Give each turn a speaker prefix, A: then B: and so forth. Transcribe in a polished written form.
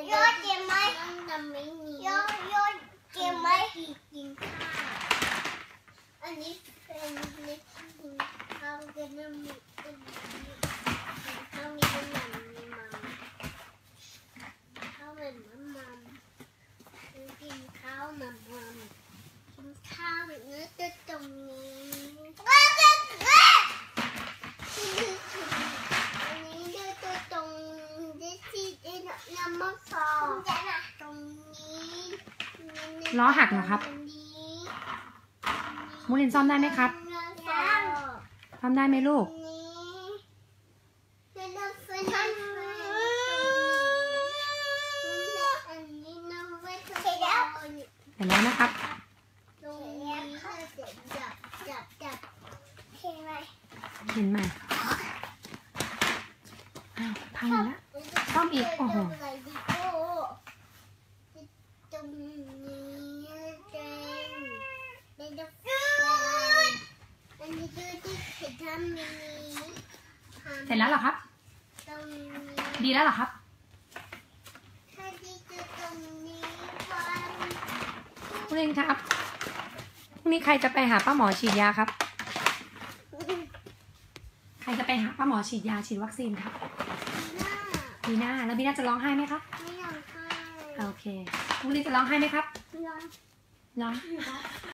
A: โยนเก็บไหมโยนเก็บไหมกินข้าวอันนี้เป็นเล็กกินข้าวกันน้ำมีข้าวมีน้ำมันมีมัมข้าวเหมือนมัมกินข้าวมัมกินข้าวเนื้อจะตรงนี้อันนี้เนื้อจะตรงที่ที่น้ำมันฟองตรงนี้
B: ล้อหักเหรอครับมูลินซ่อมได้ไหมครับซ่อมได้ไหมลูกเห็นแล้วนะครับเห็นไหมอ้าวพังแล้วซ่อมอีกโอ้โหเสร็จแล้วเหรอครับดีแล้วเหรอครับมูลินครับพรุ่งนี้ใครจะไปหาป้าหมอฉีดยาครับใครจะไปหาป้าหมอฉีดยาฉีดวัคซีนครับบีน่าแล้วบีน่าจะร้องไห้ไหมครับ
A: ไม่ร้องไห้
B: โอเคมูลินจะร้องไห้ไหมครับ
A: ร้อง
B: ร้อง